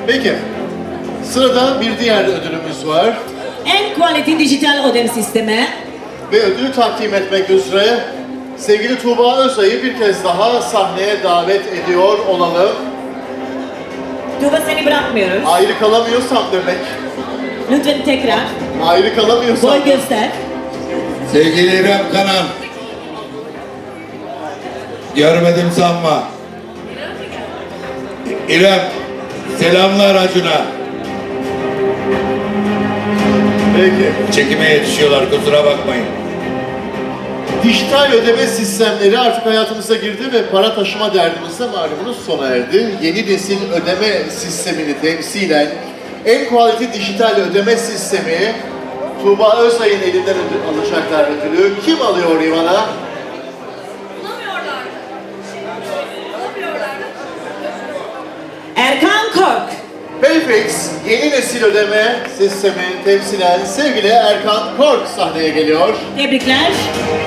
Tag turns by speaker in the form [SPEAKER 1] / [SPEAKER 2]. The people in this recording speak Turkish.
[SPEAKER 1] Peki. Sırada bir diğer ödülümüz var.
[SPEAKER 2] En quality dijital ödeme sistemi.
[SPEAKER 1] Ve ödülü takdim etmek üzere sevgili Tuğba Özay'ı bir kez daha sahneye davet ediyor olalım.
[SPEAKER 2] Tuğba seni bırakmıyoruz.
[SPEAKER 1] Ayrı kalamıyorsam demek.
[SPEAKER 2] Lütfen tekrar.
[SPEAKER 1] Ayrı kalamıyorsam.
[SPEAKER 2] Boy göster.
[SPEAKER 3] Sevgili İrem Kanan. Görmedim sanma. İrem, selamlar Acun'a.
[SPEAKER 1] Peki.
[SPEAKER 3] Çekime yetişiyorlar, kusura bakmayın.
[SPEAKER 1] Dijital ödeme sistemleri artık hayatımıza girdi ve para taşıma derdimiz de malumunuz sona erdi. Yeni nesil ödeme sistemini temsilen en quality dijital ödeme sistemi Tuğba Özay'ın elinden alacaklar ödülü. Kim alıyor İvan'a?
[SPEAKER 2] Erkan Kork.
[SPEAKER 1] Payfix yeni nesil ödeme sistemi temsilen sevgili Erkan Kork sahneye geliyor.
[SPEAKER 2] Tebrikler.